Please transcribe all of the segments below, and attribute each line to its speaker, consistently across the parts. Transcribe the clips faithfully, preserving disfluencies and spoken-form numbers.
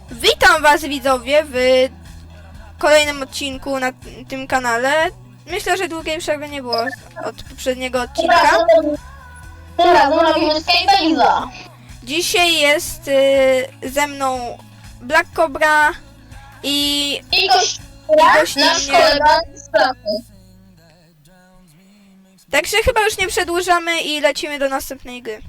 Speaker 1: Witam was widzowie w kolejnym odcinku na tym kanale. Myślę, że długiej przerwy nie było od poprzedniego odcinka.
Speaker 2: Tym razem robimy Skybase'a.
Speaker 1: Dzisiaj jest y, ze mną Black Cobra i...
Speaker 2: I gość
Speaker 1: gościnnie.
Speaker 2: nasz kolega z pracy.
Speaker 1: Także chyba już nie przedłużamy i lecimy do następnej gry.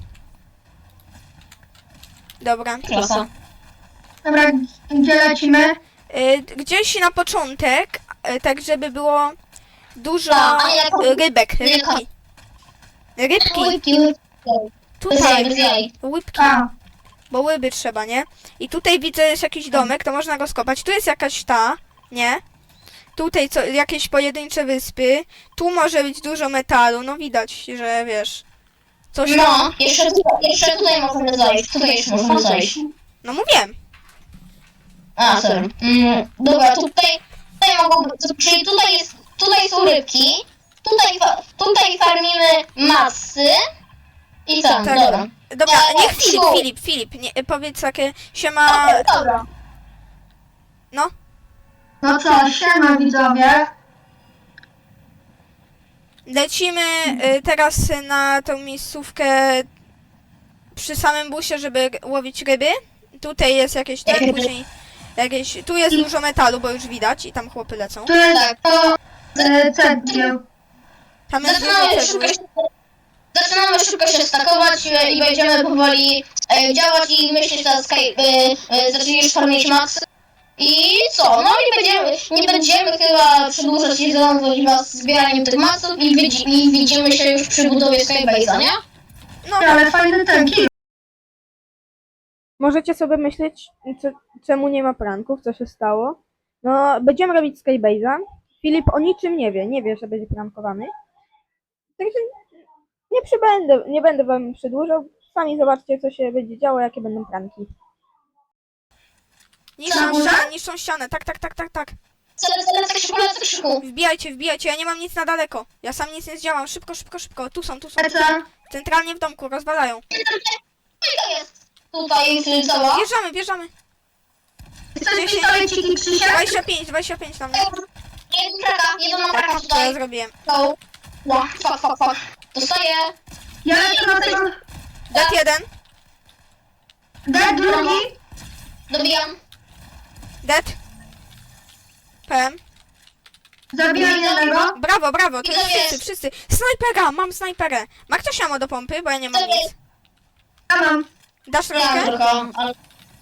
Speaker 1: Dobra.
Speaker 2: Klasa.
Speaker 3: Dobra, gdzie lecimy?
Speaker 1: Y, gdzieś na początek, y, tak żeby było dużo
Speaker 2: A, a jak-
Speaker 1: y, rybek,
Speaker 2: nie,
Speaker 1: rybki. Rybki,
Speaker 2: Łypki, łypki. Bez jaj,
Speaker 1: tutaj,
Speaker 2: bez jaj.
Speaker 1: łybki.
Speaker 3: A,
Speaker 1: Bo łyby trzeba, nie? I tutaj widzę jest jakiś domek, to można go skopać. Tu jest jakaś ta, nie? Tutaj co, jakieś pojedyncze wyspy. Tu może być dużo metalu, no widać, że wiesz. Coś tam.
Speaker 2: No, jeszcze tutaj, jeszcze tutaj możemy zajść. Tutaj jeszcze możemy zajść.
Speaker 1: No mówiłem.
Speaker 2: A, sorry. Mm, dobra, tutaj, tutaj mogą być, czyli tutaj jest, tutaj są rybki. Tutaj, fa- tutaj farmimy masy. I tam,
Speaker 1: Tak.
Speaker 2: dobra.
Speaker 1: Dobra,
Speaker 2: E,
Speaker 1: niech Filip,
Speaker 2: Krzyku.
Speaker 1: Filip, Filip, nie, powiedz takie siema.
Speaker 2: Dobra.
Speaker 1: No,
Speaker 3: no co, siema widzowie.
Speaker 1: lecimy y, teraz na tą miejscówkę przy samym busie, żeby g- łowić ryby. Tutaj jest jakieś tak,
Speaker 2: Ryby.
Speaker 1: później jakieś. Tu jest dużo metalu, bo już widać i tam chłopy lecą.
Speaker 3: Tu jest
Speaker 2: Tak.
Speaker 3: to e, cegieł.
Speaker 1: Tam jest dużo
Speaker 2: Zaczynamy
Speaker 1: cegły.
Speaker 2: szybko się, zaczynamy szybko się stakować e, i będziemy powoli e, działać i myślę, że ta Sky, e, e, zaczniesz farmić max. I co? No i będziemy, nie będziemy chyba przedłużać i zanudzać was zbieraniem tych maxów i, widzi, i widzimy się już przy budowie Skybase'a, nie?
Speaker 1: No,
Speaker 3: Ale fajny ten kill.
Speaker 1: możecie sobie myśleć, co, czemu nie ma pranków, co się stało. No, będziemy robić Skybase'a. Filip o niczym nie wie, nie wie, że będzie prankowany. Także nie przybędę, nie będę wam przedłużał. Sami zobaczcie, co się będzie działo, jakie będą pranki. Niszczą
Speaker 3: Samochód?
Speaker 1: ścianę, niszczą ścianę, tak, tak, tak, tak, tak.
Speaker 2: Lecę krzyku, lecę krzyku.
Speaker 1: Wbijajcie, wbijajcie, ja nie mam nic na daleko. Ja sam nic nie zdziałam, szybko, szybko, szybko. Tu są, tu są, tu są.
Speaker 3: Lecę.
Speaker 1: Centralnie w domku, rozwalają.
Speaker 2: To jest tutaj y, cała.
Speaker 1: Bierzamy, bierzamy.
Speaker 3: Chcesz pistoleciki, Krzysiek?
Speaker 1: dwadzieścia pięć, dwadzieścia pięć tam.
Speaker 2: Jeden kraka, jeden ma kraka
Speaker 1: Co ja
Speaker 2: tutaj.
Speaker 1: zrobiłem?
Speaker 2: No. Ła, fuck, fuck, fuck. Dostaję.
Speaker 3: Ja lecę na tego.
Speaker 1: Dat jeden,
Speaker 3: D, drugi.
Speaker 2: Dobijam.
Speaker 1: dead. P M.
Speaker 3: Zabiłem jednego.
Speaker 1: Brawo, brawo, to
Speaker 2: I
Speaker 1: jest
Speaker 2: to
Speaker 1: wszyscy,
Speaker 2: jest.
Speaker 1: wszyscy. Snajpera, mam snajperę. Ma ktoś ammo do pompy, bo ja nie mam
Speaker 2: To
Speaker 1: nic.
Speaker 2: jest.
Speaker 3: Ja mam.
Speaker 1: Dasz
Speaker 2: Ja mam
Speaker 1: rękę?
Speaker 2: trochę, ale...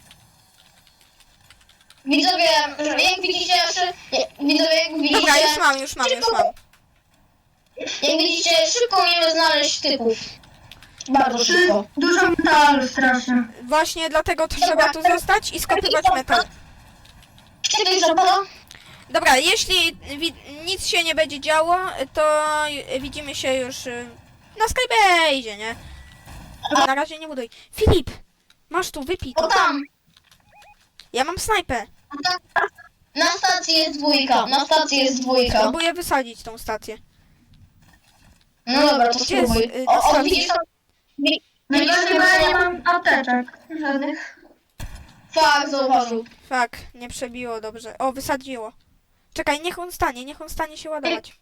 Speaker 2: Widzowie, że jak widzicie, jeszcze... Widzowie, jak widzicie...
Speaker 1: Dobra, już mam, już mam, już mam.
Speaker 2: Jak widzicie, szybko umiemy znaleźć typów. Bardzo
Speaker 3: Trzy,
Speaker 2: szybko.
Speaker 3: dużo metalu strasznie.
Speaker 1: Właśnie dlatego to trzeba tu zostać i skopywać metal.
Speaker 2: Czekaj, żabala.
Speaker 1: Dobra, jeśli wi- nic się nie będzie działo, to y, widzimy się już y, na Skybase'ie, nie? Na razie nie buduj. Filip, masz tu, wypij
Speaker 2: O
Speaker 1: to.
Speaker 2: tam.
Speaker 1: Ja mam snajpę.
Speaker 2: Na stacji jest dwójka. Na stacji jest dwójka.
Speaker 1: Próbuję wysadzić tą stację.
Speaker 2: No dobra, to
Speaker 1: Gdzie jest,
Speaker 2: spróbuj.
Speaker 1: y,
Speaker 2: O, o,
Speaker 1: stacja?
Speaker 2: widzisz tam? Wi-
Speaker 3: Najgorzej, bo ja nie mam apteczek. Żadnych.
Speaker 2: Fak, zauważył.
Speaker 1: Fak, nie przebiło dobrze. O, wysadziło. Czekaj, niech on stanie, niech on stanie się ładować.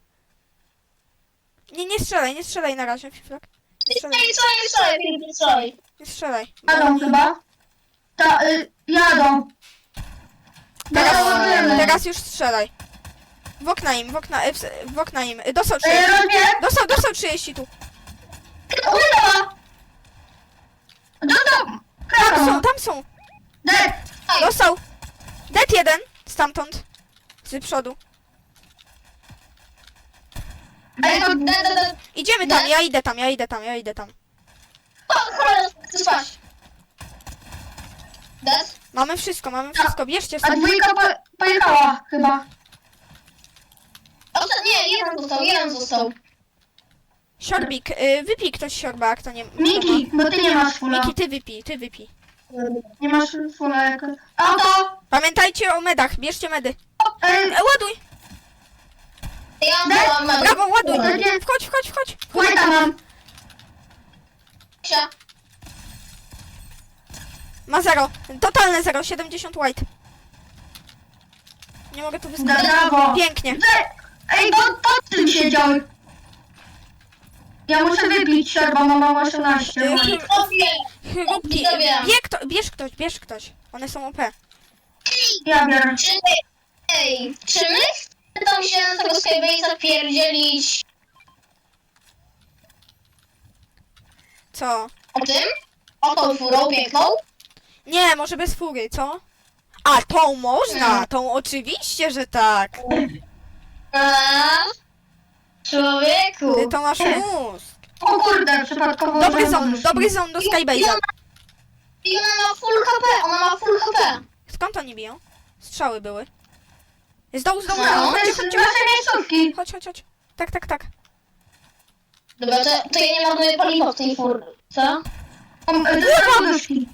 Speaker 1: Nie, nie strzelaj, nie strzelaj na razie, Fiflak. Nie
Speaker 2: Nie
Speaker 1: strzelaj,
Speaker 2: strzelaj, nie strzelaj, Filip, nie strzelaj.
Speaker 1: nie strzelaj. bo
Speaker 3: Jadą
Speaker 1: oni-
Speaker 3: chyba. Ta, y, jadą.
Speaker 1: Teraz,
Speaker 3: Dołożymy.
Speaker 1: teraz już strzelaj. W okna im, w okna, e, w, w okna im. E, Dostał
Speaker 3: E,
Speaker 1: trzydzieści.
Speaker 3: rozbieg.
Speaker 1: Dostał, dostał trzydzieści tu.
Speaker 3: Udało. Dostał.
Speaker 1: Tam
Speaker 3: Krakał.
Speaker 1: są, tam są.
Speaker 3: Dead.
Speaker 1: Dostał. Dead jeden. Stamtąd. Z przodu.
Speaker 2: Ej, no, da, da, da.
Speaker 1: Idziemy tam, ja idę tam, ja idę tam, ja idę tam.
Speaker 2: O, cholera, chcę spać. Dead?
Speaker 1: Mamy wszystko, mamy wszystko. Bierzcie
Speaker 3: A
Speaker 1: sobie.
Speaker 3: dwójka po, pojechała chyba.
Speaker 2: O, to, nie, jeden został, jeden został.
Speaker 1: Siorbik, y, wypij ktoś siorba, kto nie... kto
Speaker 3: Miki, bo ty nie masz
Speaker 1: ma.
Speaker 3: fula.
Speaker 1: Miki, ty wypij, ty wypij.
Speaker 3: Nie masz fula jako... Auto!
Speaker 1: Pamiętajcie o medach, bierzcie medy.
Speaker 3: Ej,
Speaker 1: E, ładuj.
Speaker 2: Ja
Speaker 3: Dead?
Speaker 2: mam mam-
Speaker 1: Brawo, ładuj.
Speaker 3: Ładuję.
Speaker 1: Wchodź, wchodź, wchodź.
Speaker 3: White'a mam.
Speaker 2: się.
Speaker 1: Ma zero. Totalne zero. siedemdziesiąt white. Nie mogę tu wyskoczyć.
Speaker 3: Brawo.
Speaker 1: Pięknie.
Speaker 3: Ej, Ej, pod, pod tym siedział. Ja muszę wypić siarba, mam osiemnaście.
Speaker 1: Ej,
Speaker 2: Obie.
Speaker 1: Chrupki.
Speaker 2: Widzowie.
Speaker 1: Bie kto, bierz ktoś, bierz ktoś. One są O P.
Speaker 3: Ja biorę.
Speaker 2: Czy, ej, czy my chcemy tam się na tego Skybase'a pierdzielić
Speaker 1: Co?
Speaker 2: o tym? O tą furą piękną?
Speaker 1: Nie, może bez fury, co? A, tą można!
Speaker 2: Mm.
Speaker 1: Tą oczywiście, że tak.
Speaker 2: A, człowieku.
Speaker 1: Ty to masz mózg.
Speaker 3: O kurde, przypadkowo...
Speaker 1: Dobry
Speaker 3: użyłem
Speaker 1: zon,
Speaker 3: nóżki.
Speaker 1: dobry zon do Skybase'a.
Speaker 2: I ona ma full H P, ona ma full H P.
Speaker 1: Skąd oni biją? Strzały były. Z dołu, z dołu,
Speaker 2: No,
Speaker 1: z dołu.
Speaker 3: To
Speaker 1: Chodźcie,
Speaker 3: jest
Speaker 1: chodźcie,
Speaker 3: nasze miejscówki.
Speaker 1: chodź, chodź, chodź. Tak, tak, tak.
Speaker 2: Dobra, to, to ja nie marnuję paliwa w tej furce.
Speaker 3: O, To jest poduszki.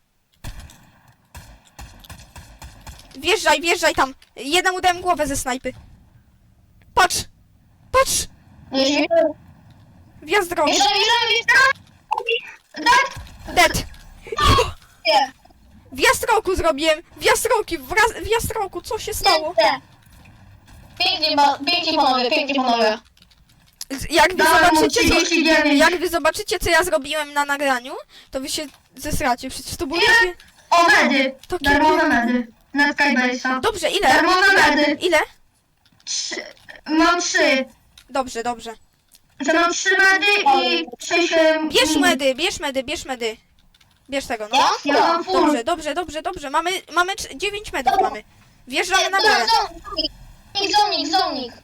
Speaker 1: Wjeżdżaj, wjeżdżaj tam. Jednemu dałem głowę ze snajpy. Patrz! Patrz!
Speaker 2: Wjeżdżamy,
Speaker 1: Wjazd drogi.
Speaker 2: wjeżdżamy, wjeżdżamy.
Speaker 3: Tak?
Speaker 1: Dead!
Speaker 2: Nie,
Speaker 1: Wjazd roku zrobiłem! Wjazd roki! Wraz, wjazd roku! Co się stało?
Speaker 2: nie. Pięknie, ba- pięknie panowie, pięknie panowie.
Speaker 1: Z- Jak wy
Speaker 3: Dałem mu
Speaker 1: zobaczycie, co,
Speaker 3: trzydzieści dziewięć.
Speaker 1: jak wy zobaczycie, co ja zrobiłem na nagraniu, to wy się zesracie. Przecież to było
Speaker 3: Ile?
Speaker 1: takie...
Speaker 3: O, medy.
Speaker 1: To
Speaker 3: Darmowe
Speaker 1: kiedy-
Speaker 3: medy. Na Skybase'a.
Speaker 1: Dobrze, ile?
Speaker 3: Darmowe medy.
Speaker 1: Ile?
Speaker 3: Trzy. Mam trzy.
Speaker 1: Dobrze, dobrze.
Speaker 3: Że mam trzy medy i sześć... em,
Speaker 1: Bierz
Speaker 3: min.
Speaker 1: medy, bierz medy, bierz medy. Bierz tego, no.
Speaker 2: Ja?
Speaker 3: Ja mam full.
Speaker 1: Dobrze, dobrze, dobrze, dobrze. Mamy, mamy cz- dziewięć medów mamy. Wjeżdżamy na
Speaker 2: Dobra,
Speaker 1: górę.
Speaker 2: zonik, zonik, zonik.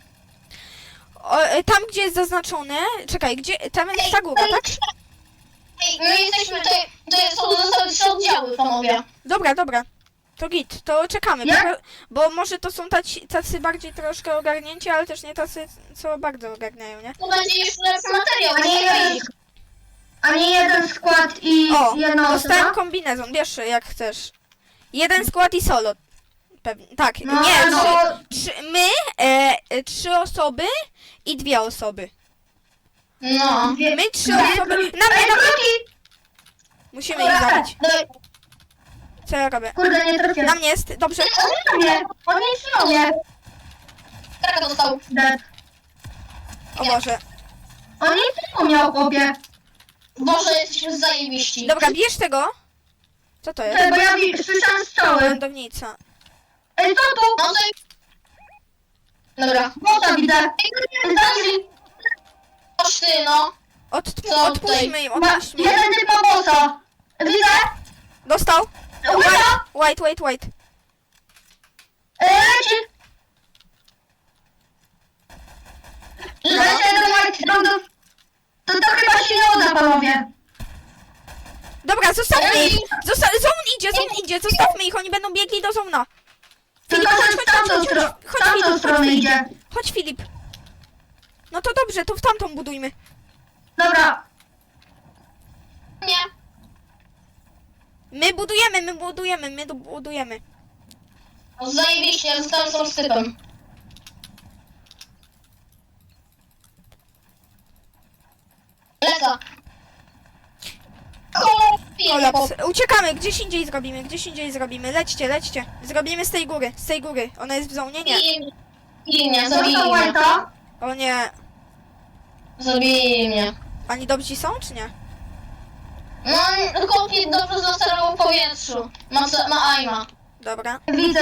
Speaker 1: O, e, tam, gdzie jest zaznaczone... Czekaj, gdzie... Tam jest ta góra, tak?
Speaker 2: Ej, my jesteśmy tutaj, tutaj są zostały trzy oddziały, panowie.
Speaker 1: Dobra, dobra. To git, to czekamy,
Speaker 3: Jak?
Speaker 1: bo, bo może to są taci, tacy bardziej troszkę ogarnięci, ale też nie tacy, co bardzo ogarniają, nie?
Speaker 2: To będzie jeszcze lepszy materiał,
Speaker 3: A nie
Speaker 2: nie
Speaker 3: jeden,
Speaker 2: będzie.
Speaker 3: a nie jeden skład i
Speaker 1: O,
Speaker 3: jedna
Speaker 1: dostałem
Speaker 3: osoba?
Speaker 1: kombinezon, wiesz, jak chcesz. Jeden skład i solo. Pewnie, tak,
Speaker 3: No,
Speaker 1: nie,
Speaker 3: no,
Speaker 1: trzy, trzy, my, e, e, trzy osoby i dwie osoby.
Speaker 2: No.
Speaker 3: dwie-
Speaker 1: My trzy
Speaker 3: dwie-
Speaker 1: osoby, na mnie,
Speaker 3: Ej,
Speaker 1: na mnie,
Speaker 3: kruki!
Speaker 1: musimy ich zabić.
Speaker 2: Dawaj.
Speaker 1: Co ja robię?
Speaker 3: Kurde, nie
Speaker 1: Na
Speaker 3: trafiłem.
Speaker 1: mnie jest, dobrze.
Speaker 3: On nie, on nic nie umie.
Speaker 2: Kraka dostał.
Speaker 3: Dead.
Speaker 1: O Boże.
Speaker 3: On nic nie umiał, chłopie.
Speaker 2: Boże, jesteśmy zajebiści.
Speaker 1: Dobra, bierz tego. Co to jest?
Speaker 3: Czekaj, bo ja wi- słyszałem strzały.
Speaker 1: Lądownica.
Speaker 3: Ej, co tu?
Speaker 2: No to... Dobra.
Speaker 3: Bota widzę. Zdąży.
Speaker 2: Chodź ty, no.
Speaker 1: Odtmu,
Speaker 2: Co
Speaker 1: odpuśćmy im,
Speaker 3: Ma,
Speaker 1: odpuśćmy im.
Speaker 3: jeden typ ma bossa. Widzę.
Speaker 1: Dostał.
Speaker 3: Uwaga.
Speaker 1: White, white, white.
Speaker 3: E, Leci. Leci jeden white roundów. To, to chyba się nie uda, panowie.
Speaker 1: Dobra, zostawmy
Speaker 2: Ej.
Speaker 1: ich! Zosta zone idzie, zone idzie, zostawmy ich, oni będą biegli do zona. Filip,
Speaker 3: Tylko,
Speaker 1: chodź,
Speaker 3: że w
Speaker 1: chodź, chodź,
Speaker 3: tamtą,
Speaker 1: chodź,
Speaker 3: stro-
Speaker 1: chodź,
Speaker 3: w
Speaker 1: chodź,
Speaker 3: tamtą
Speaker 1: Filip, chodź,
Speaker 3: stronę
Speaker 1: Filip.
Speaker 3: idzie.
Speaker 1: Chodź, Filip. No to dobrze, to w tamtą budujmy.
Speaker 3: Dobra.
Speaker 2: Nie.
Speaker 1: My budujemy, my budujemy, my du- budujemy.
Speaker 2: No zajebiście, ja zostałem sam z typem. Lecę.
Speaker 1: Kolaps. Uciekamy, gdzieś indziej zrobimy, gdzieś indziej zrobimy. Lećcie, lećcie. Zrobimy z tej góry, z tej góry. Ona jest w zonie? Nie.
Speaker 2: Zabili mnie, zabili
Speaker 3: Został
Speaker 2: mnie.
Speaker 3: white'a.
Speaker 1: O nie.
Speaker 2: Zabili mnie.
Speaker 1: Ani dobrzy są, czy nie?
Speaker 2: No, chłopiec dobrze zasterował w powietrzu. Ma, co- ma aima.
Speaker 1: Dobra.
Speaker 3: Widzę.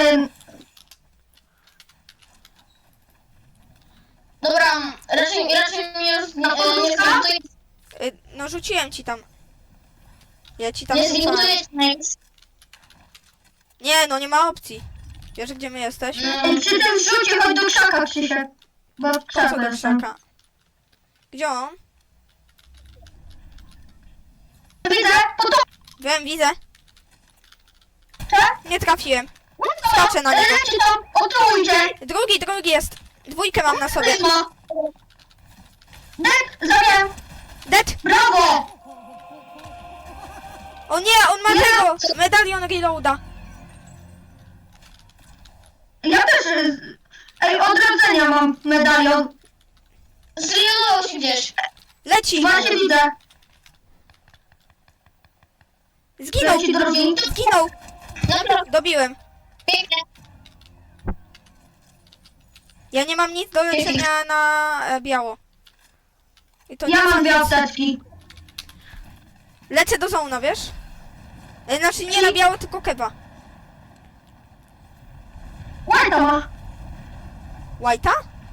Speaker 2: Dobra, raczej, raczej mnie już nie,
Speaker 3: A
Speaker 2: nie
Speaker 3: podróżka?
Speaker 2: zbuduje,
Speaker 1: Y, no rzuciłem ci tam. Ja ci tam
Speaker 2: nie
Speaker 1: rzucałem.
Speaker 2: zbuduje nic.
Speaker 1: Nie, no nie ma opcji. Wiesz, gdzie my jesteśmy?
Speaker 2: No,
Speaker 3: Przy tym rzucie chodź do krzaka, Krzysiek. Bo w
Speaker 1: Po co
Speaker 3: krzaku
Speaker 1: do
Speaker 3: jestem.
Speaker 1: krzaka? Gdzie on?
Speaker 3: Widzę, po to.
Speaker 1: Wiem, widzę.
Speaker 3: Tak?
Speaker 1: Nie trafiłem. Skaczę na niego.
Speaker 3: Leci tam, otrójcie.
Speaker 1: Drugi, drugi jest. Dwójkę mam na sobie.
Speaker 3: Wysma. Dek, zabiłem.
Speaker 1: Dead!
Speaker 3: Brawo.
Speaker 1: O nie, on ma tego! Medalion reloada.
Speaker 3: Ja też. y, Ej, odrodzenia mam medalion.
Speaker 2: zreloadował się gdzieś.
Speaker 1: Leci!
Speaker 3: Właśnie widzę.
Speaker 1: Zginął!
Speaker 3: Leci drugi.
Speaker 1: Zginął!
Speaker 2: Dobra,
Speaker 1: Dobiłem.
Speaker 2: pięknie.
Speaker 1: Ja nie mam nic do leczenia na e, biało. I to
Speaker 3: Ja
Speaker 1: nie
Speaker 3: mam
Speaker 1: ma
Speaker 3: dwie
Speaker 1: nic.
Speaker 3: apteczki.
Speaker 1: Lecę do zona, wiesz? E, Znaczy nie na biało, tylko keba.
Speaker 3: White'a ma.
Speaker 1: White'a?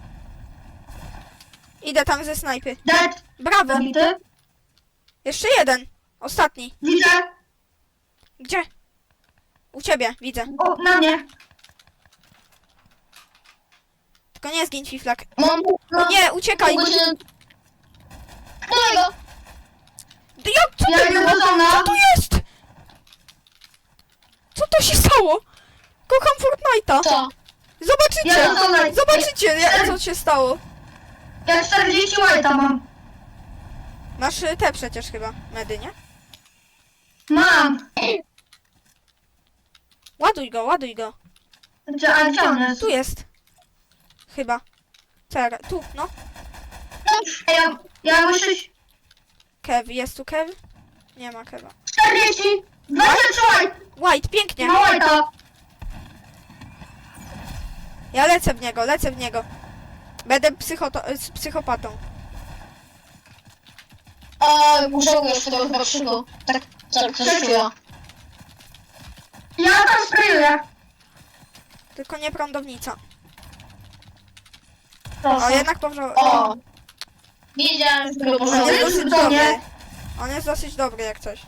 Speaker 1: Idę tam ze snajpy.
Speaker 3: Dead.
Speaker 1: Brawo!
Speaker 3: Zabity.
Speaker 1: Jeszcze jeden. Ostatni.
Speaker 3: Widzę.
Speaker 1: Gdzie? U ciebie, widzę.
Speaker 3: O, na mnie.
Speaker 1: Tylko nie zgiń, Fiflak.
Speaker 2: Mam... No,
Speaker 1: Nie, uciekaj!
Speaker 2: Dawaj go.
Speaker 1: Ty, Jak, co
Speaker 3: Ja
Speaker 1: to
Speaker 3: idę
Speaker 1: było?
Speaker 3: do zona.
Speaker 1: Co tu jest? Co to się stało? Kocham Fortnite'a.
Speaker 2: Co?
Speaker 1: Zobaczycie!
Speaker 3: Ja do zona.
Speaker 1: Zobaczycie, jak- co się stało.
Speaker 3: Ja czterdzieści White'a mam.
Speaker 1: Masz y, te przecież chyba, medy, nie?
Speaker 3: Mam.
Speaker 1: Ładuj go, ładuj go.
Speaker 3: Gdzie, a gdzie on jest?
Speaker 1: Tu jest. Chyba. Czekaj, tu, no.
Speaker 3: Ej, Ja, ja muszę...
Speaker 1: Kev, jest tu Kev? Nie ma Keva.
Speaker 3: czterdzieści. dwadzieścia trzy White.
Speaker 1: White, pięknie.
Speaker 3: Ma White'a.
Speaker 1: Ja lecę w niego, lecę w niego. Będę psychoto- z psychopatą.
Speaker 2: A, żałujesz tego chyba krzyku. Tak, tak, coś czuję.
Speaker 3: Ja tam sprayuję.
Speaker 1: Tylko nie prądownica. O,
Speaker 2: Proszę.
Speaker 1: jednak powrzał...
Speaker 2: O. Wiedziałem, że tego
Speaker 1: On jest
Speaker 2: pożałuję.
Speaker 1: dosyć
Speaker 3: do mnie.
Speaker 1: dobry. On jest dosyć dobry jak coś.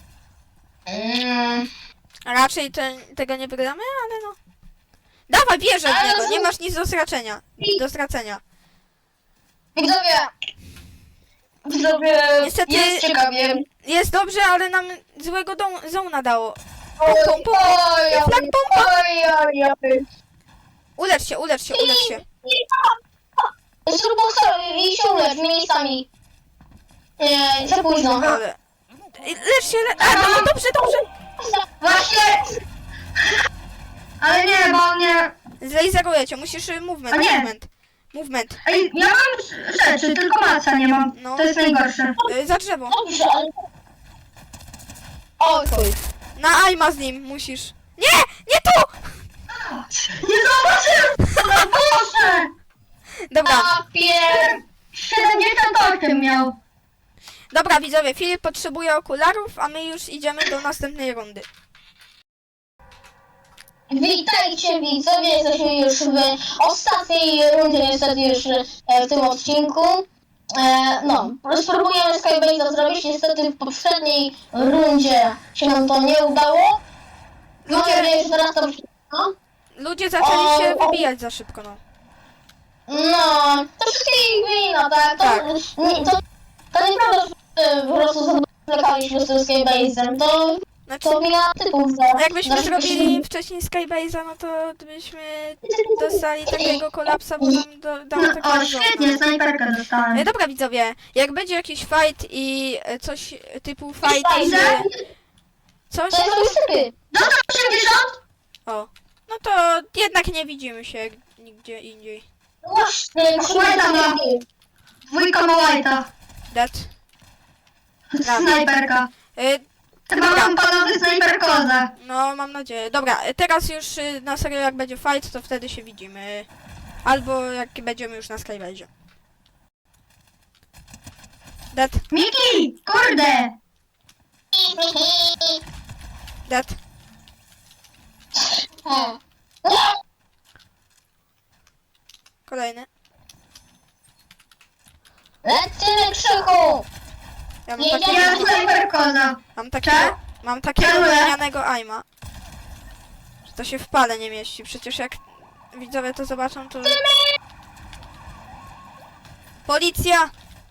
Speaker 2: Mm.
Speaker 1: Raczej te, tego nie wygramy, ale no. Dawaj, wierzę w
Speaker 2: Ale
Speaker 1: niego,
Speaker 2: to-
Speaker 1: nie masz nic do stracenia. Do stracenia.
Speaker 2: Widzowie. Widzowie.
Speaker 1: Niestety-
Speaker 2: Jest ciekawie.
Speaker 1: Jest dobrze, ale nam złego dom- zona dało.
Speaker 2: Oj,
Speaker 1: Pom, pom, pom.
Speaker 2: oj,
Speaker 1: Flag
Speaker 2: oj,
Speaker 1: pompa.
Speaker 2: oj, oj, oj.
Speaker 1: Ulecz się, ulecz się, ulecz się.
Speaker 2: Zrób boxer i się ulecz miejscami. Nie, za późno.
Speaker 1: Ale... Lecz się, le... A, no, dobrze, dobrze.
Speaker 3: Właśnie. Ale nie, bo on nie...
Speaker 1: Zlaseruję cię, musisz y, movement,
Speaker 3: A nie.
Speaker 1: movement. Movement.
Speaker 3: Ej, ja mam rzeczy, tylko maca nie mam.
Speaker 1: No.
Speaker 3: To jest najgorsze.
Speaker 1: Y, za drzewo.
Speaker 2: Dobrze, ale... Oj, chuj.
Speaker 1: Na Aima z nim musisz. Nie! Nie tu!
Speaker 3: Nie zobaczyłem! No Boże!
Speaker 1: Dobra,
Speaker 2: Papier.
Speaker 3: siedemdziesiąt osiem miał.
Speaker 1: dobra widzowie, Filip potrzebuje okularów, a my już idziemy do następnej rundy.
Speaker 2: Witajcie widzowie, jesteśmy już w ostatniej rundzie niestety już e, w tym odcinku. E, no, spróbujemy Skybase'a zrobić, niestety w poprzedniej rundzie się nam to nie udało. Mam
Speaker 1: Ludzie,
Speaker 2: nadzieję, że teraz to... No,
Speaker 1: ludzie zaczęli się wybijać za szybko, no.
Speaker 2: no to wszystkich wina, tak? To,
Speaker 1: Tak.
Speaker 2: Nie, to, to nieprawda, że e, po prostu zwlekaliśmy z tym Skybase'em, to,
Speaker 1: Znaczy,
Speaker 2: to wina typów za...
Speaker 1: no jakbyśmy
Speaker 2: za-
Speaker 1: zrobili wcześniej Skybase'a, no to byśmy dostali takiego kolapsa, bo nam do, dało
Speaker 3: No,
Speaker 1: taką
Speaker 3: o,
Speaker 1: zona.
Speaker 3: świetnie, snajperkę
Speaker 1: E,
Speaker 3: dostałem.
Speaker 1: dobra widzowie, jak będzie jakiś fight i e, coś typu fight z...
Speaker 3: Ile?
Speaker 1: Coś?
Speaker 2: To jest typy.
Speaker 3: Dostał osiemdziesiąt?
Speaker 1: O. No to jednak nie widzimy się nigdzie indziej.
Speaker 2: Właśnie,
Speaker 3: White'a ma. Dwójka ma White'a.
Speaker 1: Dead.
Speaker 3: Snajperka.
Speaker 1: E,
Speaker 3: Chyba
Speaker 1: Dobra.
Speaker 3: mam panowie snajperkozę.
Speaker 1: No, mam nadzieję. Dobra, e, teraz już y, na serio jak będzie fight, to wtedy się widzimy. Albo jak będziemy już na Skybase'ie. Dead,
Speaker 3: Miki! Kurde!
Speaker 1: dead.
Speaker 2: Hmm.
Speaker 1: Kolejny.
Speaker 2: Lecimy krzyku!
Speaker 1: Ja mam
Speaker 2: Nie,
Speaker 1: takiego,
Speaker 3: Ja snajperkoza.
Speaker 1: mam takiego,
Speaker 3: Cze-
Speaker 1: mam takiego
Speaker 3: Czeluję.
Speaker 1: gównianego aima. Że to się w pale nie mieści. Przecież jak widzowie to zobaczą, to... Policja!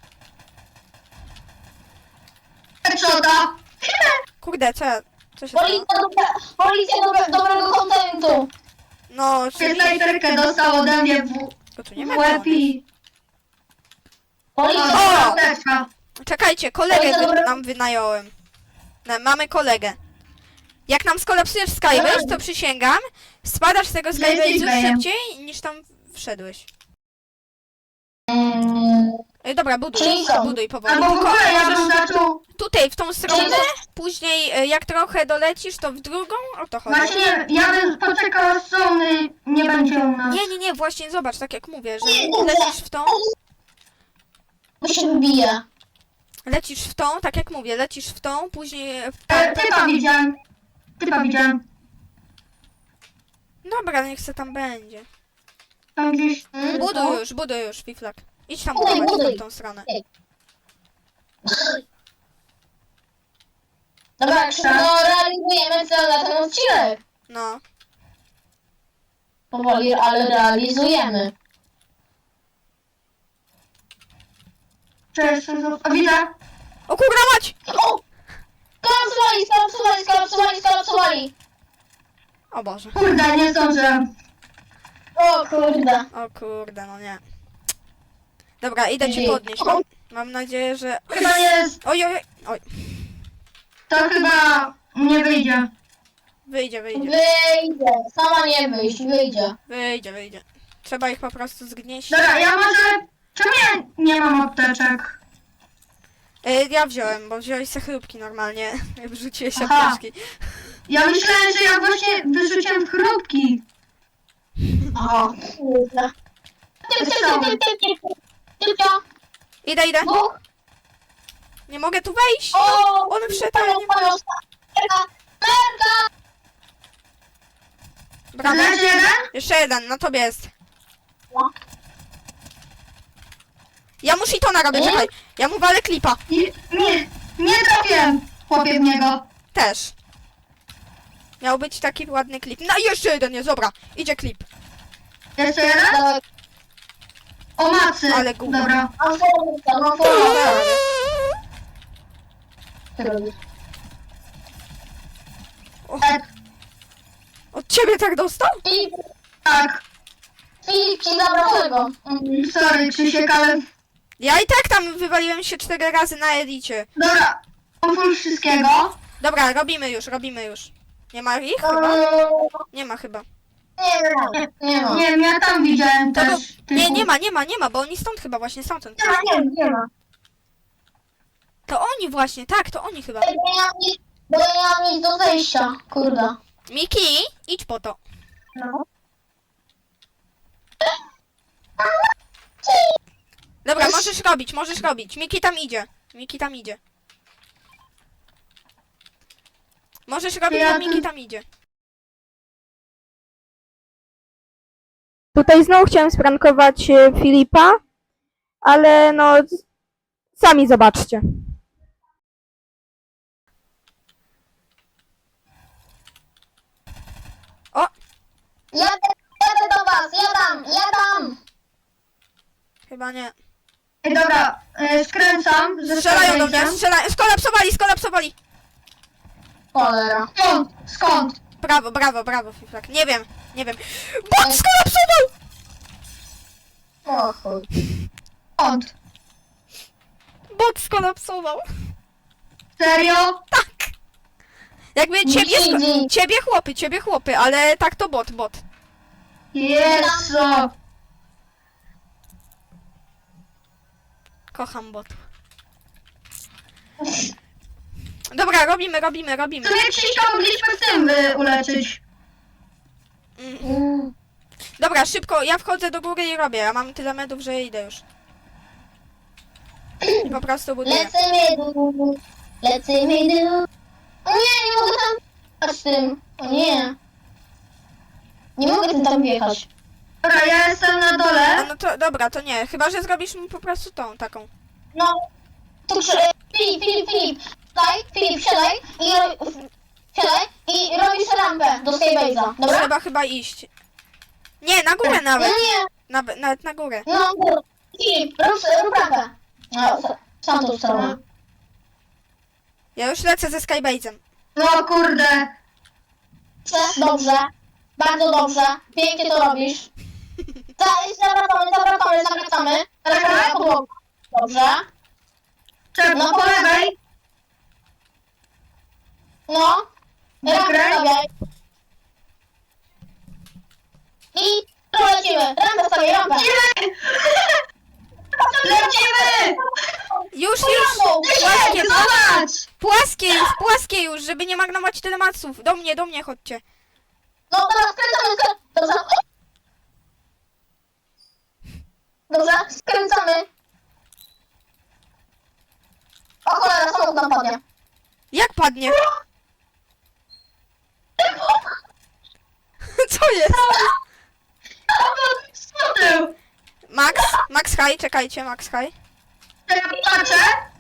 Speaker 3: Headshota.
Speaker 1: Kurde, co ja... Co się stało?
Speaker 2: Policja, dobra, policja dobre, dobrego kontentu!
Speaker 1: No,
Speaker 3: Czy
Speaker 1: oczywiście.
Speaker 3: snajperkę dostał ode mnie w,
Speaker 1: Bo tu nie
Speaker 3: w
Speaker 1: ma
Speaker 3: łeb
Speaker 1: broni.
Speaker 3: i... O,
Speaker 2: Policja,
Speaker 3: apteczka.
Speaker 1: Czekajcie, kolegę
Speaker 2: Oj,
Speaker 1: wy,
Speaker 2: dobra.
Speaker 1: nam wynająłem. No, mamy kolegę. Jak nam skolapsujesz Skybase, to przysięgam, spadasz z tego Skybase'u
Speaker 3: Zajmij.
Speaker 1: szybciej niż tam wszedłeś.
Speaker 2: Mm,
Speaker 4: Ej, dobra, buduj,
Speaker 2: Czyli co?
Speaker 4: buduj powoli.
Speaker 3: Albo w
Speaker 4: Tylko
Speaker 3: ogóle ja bym
Speaker 4: możesz
Speaker 3: zaczął...
Speaker 4: tutaj, w tą stronę,
Speaker 2: Czyli
Speaker 4: później y, jak trochę dolecisz, to w drugą, o to chodzi.
Speaker 3: Właśnie ja bym poczekał, aż Sony nie będzie u nas.
Speaker 4: Nie, nie, nie, właśnie zobacz, tak jak mówię, że
Speaker 2: Nie, nie,
Speaker 4: lecisz w tą,
Speaker 2: Bo się wybije.
Speaker 4: lecisz w tą, tak jak mówię, lecisz w tą, później w
Speaker 3: E,
Speaker 4: tą.
Speaker 3: typa widziałem. Typa widziałem.
Speaker 4: Dobra, niech se tam będzie.
Speaker 3: Tam gdzieś...
Speaker 2: Mm,
Speaker 4: Buduj
Speaker 2: no.
Speaker 4: już, buduj już, Fiflak. Idź tam
Speaker 2: Buduj,
Speaker 4: budować
Speaker 2: buduj.
Speaker 4: w tą stronę.
Speaker 2: Dobra, jak szybko realizujemy cel na ten odcinek.
Speaker 4: No.
Speaker 2: Powoli, ale realizujemy.
Speaker 3: Cześć, o, widzę.
Speaker 4: O kurwa mać!
Speaker 2: O! Skolapsowali, skolapsowali, skolapsowali, skolapsowali.
Speaker 4: O Boże.
Speaker 3: Kurde, nie zdążyłem.
Speaker 2: O kurde.
Speaker 4: O kurde, no nie. Dobra, idę cię
Speaker 2: Ej.
Speaker 4: podnieść. Mam, mam nadzieję, że...
Speaker 3: Chyba jest...
Speaker 4: Oj, oj, oj. Oj,
Speaker 3: To chyba nie wyjdzie.
Speaker 4: wyjdzie, wyjdzie.
Speaker 2: Wyjdzie. Sama nie wyjść, wyjdzie.
Speaker 4: Wyjdzie, wyjdzie. Trzeba ich po prostu zgnieść.
Speaker 3: Dobra, ja może... Czemu ja nie mam apteczek?
Speaker 4: Y, ja wziąłem, bo wziąłeś se chrupki normalnie. Wrzuciłeś się
Speaker 3: Aha.
Speaker 4: apteczki.
Speaker 3: Ja myślałem, że ja właśnie wyrzuciłem chrupki.
Speaker 2: Aha. Kurde. Typ, typ, typ, typ, typ, typ. Tylko
Speaker 4: Idę, idę.
Speaker 2: dwóch.
Speaker 4: Nie mogę tu wejść.
Speaker 2: O!
Speaker 4: On wszedł, ale nie
Speaker 2: Panią, panią, Merka, Merka!
Speaker 4: Brawo.
Speaker 3: Leży jeden?
Speaker 4: Jeszcze jeden, na tobie jest.
Speaker 2: No.
Speaker 4: Ja muszę i to narobię,
Speaker 2: Nie?
Speaker 4: czekaj. Ja mu walę klipa.
Speaker 3: Nie, nie, nie trafiłem, chłopie, w niego.
Speaker 4: Też. Miał być taki ładny klip. No i jeszcze jeden jest, dobra. Idzie klip.
Speaker 3: Jeszcze jeden?
Speaker 2: Dawaj.
Speaker 3: O macy.
Speaker 4: Ale gówno.
Speaker 3: Dobra.
Speaker 2: Mam formułkę, mam formułkę. Co robisz?
Speaker 3: E,
Speaker 4: Od ciebie tak dostał?
Speaker 2: Filip,
Speaker 3: tak.
Speaker 2: Filip ci zabrał tego. Mm.
Speaker 3: Sorry, Krzysiek, ale...
Speaker 4: Ja i tak tam wywaliłem się cztery razy na edicie.
Speaker 3: Dobra. Mam full wszystkiego.
Speaker 4: Dobra, robimy już, robimy już. Nie ma ich chyba? Nie ma chyba.
Speaker 2: Nie ma, nie ma.
Speaker 3: Nie wiem, ja tam widziałem
Speaker 4: To go...
Speaker 3: też.
Speaker 4: Nie,
Speaker 3: typu.
Speaker 4: nie ma, nie ma, nie ma, bo oni stąd chyba właśnie stamtąd.
Speaker 2: Nie ma, nie, nie ma.
Speaker 4: To oni właśnie, tak, to oni chyba.
Speaker 2: Bo ja nie mam nic, bo ja nie mam nic do zejścia. Kurde.
Speaker 4: Miki, idź po to.
Speaker 2: No.
Speaker 4: Dobra, możesz robić, możesz robić. Miki tam idzie. Miki tam idzie. Możesz robić,
Speaker 3: Ja
Speaker 4: bo Miki
Speaker 3: tu-
Speaker 4: tam idzie.
Speaker 1: Tutaj znowu chciałem sprankować e, Filipa, ale no z- sami zobaczcie.
Speaker 2: Jadę, jadę do was, jadam, jadam.
Speaker 4: Chyba nie.
Speaker 3: Ej, dobra, e, skręcam. ze
Speaker 4: Strzelają do mnie,
Speaker 3: skręciem.
Speaker 4: strzelają. Skolapsowali, skolapsowali.
Speaker 2: Cholera.
Speaker 3: Skąd? Skąd?
Speaker 4: Brawo, brawo, brawo, Fiflak. Nie wiem, nie wiem. Bot skolapsował!
Speaker 2: O chuj.
Speaker 3: Skąd?
Speaker 4: Bot skolapsował.
Speaker 3: Serio?
Speaker 4: Tak. Jakby ciebie, sko-
Speaker 2: Widzi.
Speaker 4: ciebie chłopy, ciebie chłopy, ale tak to bot, bot.
Speaker 3: Jezu.
Speaker 4: Kocham bot. Dobra, robimy, robimy, robimy.
Speaker 3: W sumie Krzyśka mogliśmy w tym y, uleczyć.
Speaker 4: Mm.
Speaker 2: Mm.
Speaker 4: Dobra, szybko, ja wchodzę do góry i robię. Ja mam tyle medów, że idę już. I po prostu buduję.
Speaker 2: Lecimy dół, lecimy dół. O nie, nie mogę tam wjechać z tym. O nie. Nie mogę tym tam wjechać.
Speaker 3: Dobra, ja jestem na
Speaker 4: A
Speaker 3: dole.
Speaker 4: no to dobra, to nie. Chyba, że zrobisz mu po prostu tą, taką.
Speaker 2: No. Tu przy... Filip, Filip, Filip. Siadaj, Filip, siadaj i ro... siadaj i robisz rampę do Skybase'a. Dobra?
Speaker 4: Trzeba chyba iść. Nie, na górę
Speaker 2: No
Speaker 4: nawet.
Speaker 2: nie.
Speaker 4: Na, nawet na górę.
Speaker 2: No, Filip, rób, rób rampę. No, sam to stronę.
Speaker 4: Ja już lecę ze Skybase'em.
Speaker 3: No kurde.
Speaker 2: Dobrze. Bardzo dobrze. Pięknie to robisz. Za- Zawracamy, zawracamy, zawracamy. Zawracamy na podłogę. Dobrze.
Speaker 3: Czep,
Speaker 2: No,
Speaker 3: po lewej.
Speaker 2: No. Rampę
Speaker 3: Wygraj.
Speaker 2: stawiaj. I tu lecimy. Rampę stawiaj, rampę.
Speaker 3: Nie! Lecimy!
Speaker 4: Już, już! Płaskie,
Speaker 3: Ej, zobacz!
Speaker 4: płaskie już, płaskie już, żeby nie marnować tyle maców. Do mnie, do mnie chodźcie.
Speaker 2: No teraz skręcamy, skręcamy. Dobrze. Dobrze, skręcamy. O cholera, samochód nam padnie.
Speaker 4: Jak padnie? Co jest?
Speaker 3: Co ty?
Speaker 4: Max? Max high, czekajcie, Max high.
Speaker 3: Ja patrzę.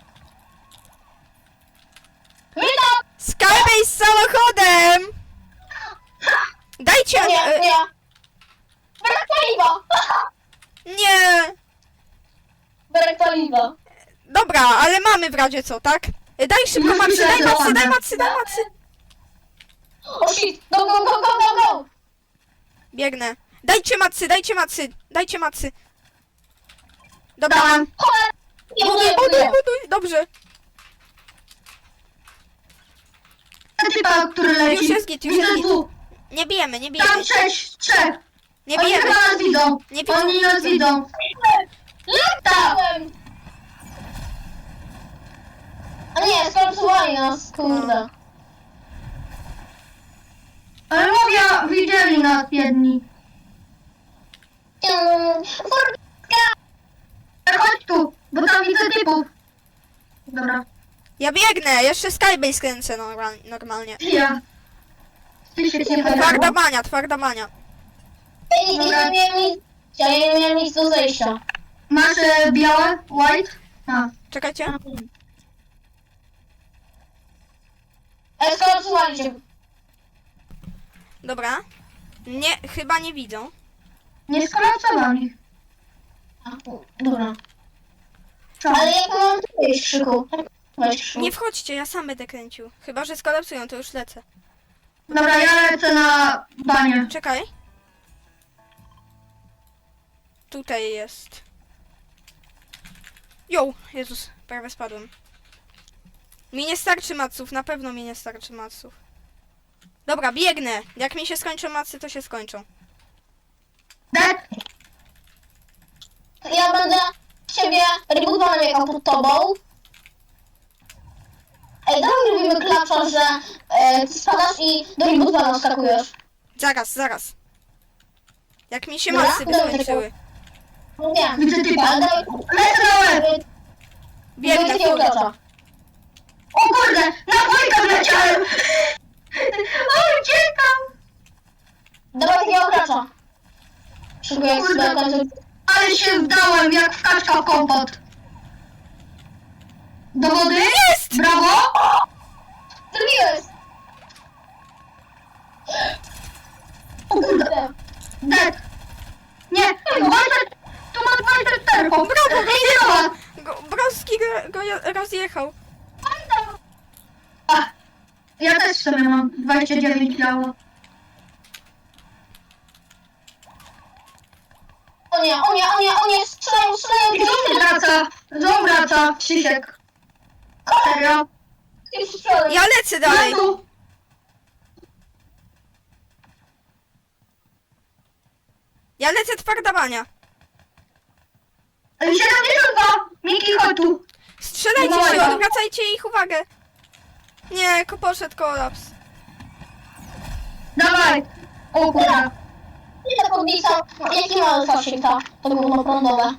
Speaker 2: Witam!
Speaker 4: Skybase z samochodem! Dajcie...
Speaker 2: Nie,
Speaker 4: e,
Speaker 2: nie. Brak paliwa.
Speaker 4: nie!
Speaker 2: Brak paliwa.
Speaker 4: Dobra, ale mamy w razie co, tak? E, Daj szybko
Speaker 3: Już
Speaker 4: macy, daj
Speaker 3: myślę, że
Speaker 4: macy, daj
Speaker 3: mamy.
Speaker 4: macy, daj macy!
Speaker 2: O shit, go, go, go, go, go, go.
Speaker 4: Biegnę. Dajcie macy, dajcie macy, dajcie macy. Dobra.
Speaker 3: Dałem.
Speaker 2: Cholera. Nie
Speaker 4: Buduj,
Speaker 2: buduję,
Speaker 4: buduj,
Speaker 2: buduję.
Speaker 4: buduj, dobrze.
Speaker 3: Ten typa, który leci.
Speaker 4: Już jest git, już jest
Speaker 3: Widzę
Speaker 4: git.
Speaker 3: dwóch.
Speaker 4: Nie bijemy, nie
Speaker 3: Tam
Speaker 4: bijemy.
Speaker 3: sześć, trzech.
Speaker 4: Nie
Speaker 3: Oni
Speaker 4: bijemy.
Speaker 3: chyba nas widzą.
Speaker 4: Nie widzą.
Speaker 3: Oni nas widzą.
Speaker 2: Latałem. A nie, skolapsowali nas, kurde.
Speaker 3: Ale mówię, widzieli nas jedni.
Speaker 2: Mm, Furtka.
Speaker 3: Ale chodź tu, bo tam widzę typów. Dobra.
Speaker 4: Ja biegnę, jeszcze Skybase kręcę normal, normalnie.
Speaker 3: Ja. Ty się nie
Speaker 4: Twarda bania, twarda bania.
Speaker 2: Ja nie, nie miałem nic, ja nie miałem nic do zejścia.
Speaker 3: Masz e, białe? White? A.
Speaker 4: Czekajcie.
Speaker 2: Ej, skolapsowali cię.
Speaker 4: Dobra. Nie, chyba nie widzą.
Speaker 3: Nie skolapsowali.
Speaker 2: A, Dobra.
Speaker 3: Co?
Speaker 2: Ale jak mam tu wejść, Krzyku? Weź, Krzyku.
Speaker 4: Nie wchodźcie, ja sam będę kręcił. Chyba, że skolapsują, to już lecę.
Speaker 3: Dobra, ja lecę na banie.
Speaker 4: Czekaj. Tutaj jest. Jo, Jezus, prawie spadłem. Mi nie starczy maców, na pewno mi nie starczy maców. Dobra, biegnę. Jak mi się skończą macy, to się skończą.
Speaker 3: Dead?
Speaker 2: Ja będę ciebie rebootowany jechał pod tobą. Ej, dawaj robimy klacza, że e, ty spadasz i do rebootowana skakujesz.
Speaker 4: Zaraz, zaraz. Jak mi się
Speaker 2: Dobra,
Speaker 4: macy by
Speaker 2: dobra,
Speaker 4: skończyły.
Speaker 2: No wiem,
Speaker 3: Widzę typa.
Speaker 2: ale dawaj,
Speaker 3: Lecę na łeb.
Speaker 2: dawaj
Speaker 4: Biegnę,
Speaker 2: takiego
Speaker 4: kurde.
Speaker 2: klacza.
Speaker 3: O kurde, na dwójkę wleciałem. O, uciekam.
Speaker 2: Dawaj takiego klacza. Szykuję jak
Speaker 3: Kurde.
Speaker 2: sobie kończę.
Speaker 3: Ale się wdałem jak w kaczka w kompot. Do wody?
Speaker 4: Jest!
Speaker 3: Brawo.
Speaker 2: Zrobiłeś!
Speaker 3: O kurde. Dead. Nie, Walter, tu masz Walter Terpo.
Speaker 4: Brawo,
Speaker 3: Idzie do was.
Speaker 4: Go, Broski go, go je- rozjechał.
Speaker 3: A, ja też sobie mam dwadzieścia dziewięć biało.
Speaker 2: O nie, o nie, o nie, o nie, strzelają, strzelają,
Speaker 3: I znowu wraca, znowu wraca, Krzysiek. Serio?
Speaker 2: strzelają.
Speaker 4: Ja lecę dalej.
Speaker 3: Znowu.
Speaker 4: Ja lecę twarda bania.
Speaker 3: siedemdziesiąt dwa. Miki, chodź tu.
Speaker 4: Strzelajcie
Speaker 3: Dawaj,
Speaker 4: się,
Speaker 3: dawaj.
Speaker 4: odwracajcie ich uwagę. Nie, ko poszedł kolaps.
Speaker 3: Dawaj. O kurde.
Speaker 2: Nie ta podbica, jaki ma zasięg ta, to gówno prądowe.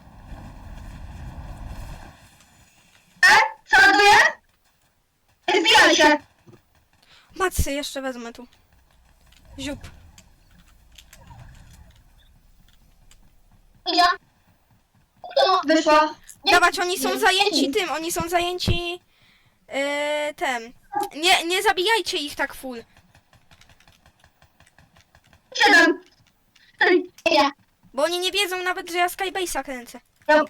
Speaker 3: E? Co ładuje? Zbijaj się.
Speaker 4: Macy jeszcze wezmę tu. Ziup.
Speaker 2: Idzie. No,
Speaker 3: Wyszła.
Speaker 4: Dawać, oni są zajęci tym, oni są zajęci yy, tem. Nie, nie zabijajcie ich tak full.
Speaker 3: Siedem. Ej,
Speaker 2: idzie.
Speaker 4: Bo oni nie wiedzą nawet, że ja Skybase'a kręcę.
Speaker 3: ja...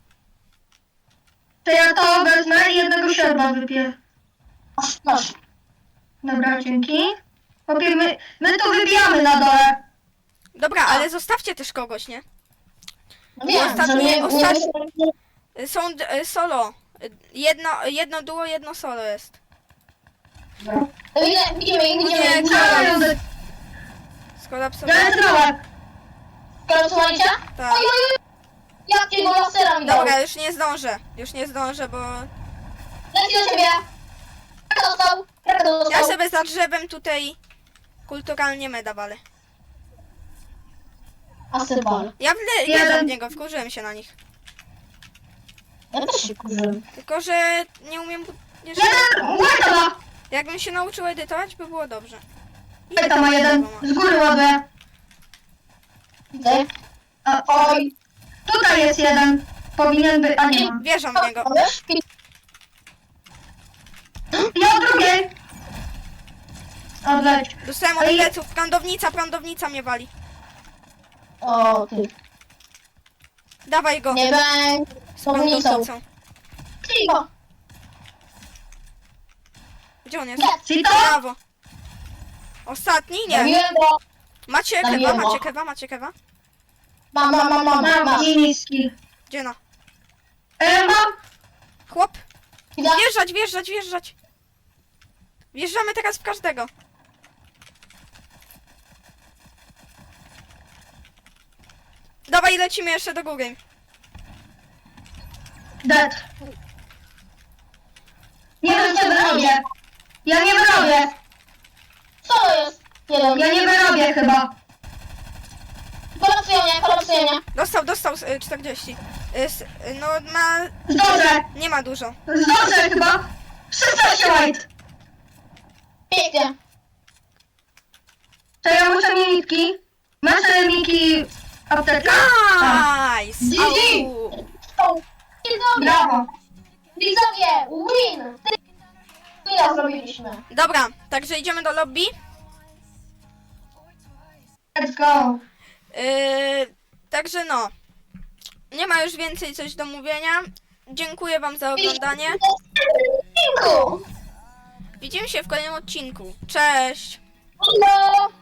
Speaker 3: To ja to wezmę i jednego sierba wypiję.
Speaker 2: Masz, masz.
Speaker 3: Dobra, dzięki. Okej, my, my to wybijamy na dole.
Speaker 4: Dobra, ale zostawcie też kogoś, nie?
Speaker 2: No wiem,
Speaker 4: Ostatnie-
Speaker 2: że nie,
Speaker 4: ostatnie-
Speaker 2: nie,
Speaker 4: Y, Są d- y, solo. Y, Jedno, jedno duo, jedno solo jest.
Speaker 2: Widzimy, widzimy, ich, widzimy,
Speaker 4: Nie,
Speaker 2: ich,
Speaker 3: Ja
Speaker 2: widzimy.
Speaker 3: lecę
Speaker 4: Skolapsowane.
Speaker 3: na łeb.
Speaker 2: Kolosowaliście?
Speaker 4: Tak.
Speaker 2: Oj, oj, oj. Jak cię go lasera mi dał?
Speaker 4: Dobra, już nie zdążę. Już nie zdążę, bo
Speaker 2: Leci do ciebie. Kraka dostał. Kraka dostał.
Speaker 4: ja sobie za drzewem tutaj kulturalnie meda walę.
Speaker 2: Asybal.
Speaker 4: Ja wle-
Speaker 3: Jeden.
Speaker 4: jeden w niego, wkurzyłem się na nich.
Speaker 2: Ja też się kurzyłem.
Speaker 4: Tylko, że nie umiem... bu- Jeszcze...
Speaker 3: Jeden! Łajta ma!
Speaker 4: Jakbym się nauczył edytować, by było dobrze.
Speaker 3: Łajta ma jeden. Z góry ładuję.
Speaker 2: Widzę.
Speaker 3: A,
Speaker 2: Oj.
Speaker 3: tutaj jest jeden. Powinien być, a nie ma.
Speaker 4: Wierzę w niego.
Speaker 2: Wiesz?
Speaker 3: Ja od drugiej. Odleć.
Speaker 4: Dostałem od
Speaker 3: Ej.
Speaker 4: pleców. Prądownica, prądownica mnie wali.
Speaker 2: O, ty.
Speaker 4: Dawaj go.
Speaker 2: Nie będę.
Speaker 4: Z
Speaker 2: Pomnicą.
Speaker 4: prądownicą.
Speaker 2: Cicho.
Speaker 4: Gdzie on jest?
Speaker 2: Nie.
Speaker 3: Cito?
Speaker 4: Brawo. Ostatni? Nie.
Speaker 2: Zabiłem go.
Speaker 4: Macie kewa,
Speaker 2: Zabiłem go.
Speaker 4: macie kewa, macie kewa?
Speaker 2: Mam, mam, mam, mam, mam.
Speaker 3: Mam niski.
Speaker 4: Gdzie no?
Speaker 3: E, mam.
Speaker 4: Chłop.
Speaker 2: Widzę.
Speaker 4: Wjeżdżać, wjeżdżać, wjeżdżać. Wjeżdżamy teraz w każdego. Dawaj, lecimy jeszcze do góry.
Speaker 3: Dead. Nie wiem, co wyrobię. Ja nie wyrobię.
Speaker 2: Co to jest? Jeden.
Speaker 3: Ja nie wyrobię chyba.
Speaker 2: Kolapsuje mnie, kolapsuje mnie.
Speaker 4: Dostał, dostał y, czterdzieści. Y, s- y, no ma...
Speaker 3: Zdążę.
Speaker 4: Nie ma dużo.
Speaker 3: Zdążę chyba. szesnaście white.
Speaker 2: Pięknie.
Speaker 3: To ja muszę minitki. Masz te miki apteczka? Tak.
Speaker 4: Nice!
Speaker 3: G G.
Speaker 4: Au.
Speaker 2: O, Widzowie,
Speaker 3: Brawo.
Speaker 2: widzowie, win. Wina zrobiliśmy.
Speaker 4: Dobra, także idziemy do lobby.
Speaker 3: Let's go.
Speaker 4: Yy, także no. Nie ma już więcej coś do mówienia. Dziękuję wam za oglądanie.
Speaker 2: Dziękuję.
Speaker 4: Widzimy się w kolejnym odcinku. Cześć!
Speaker 2: Hello.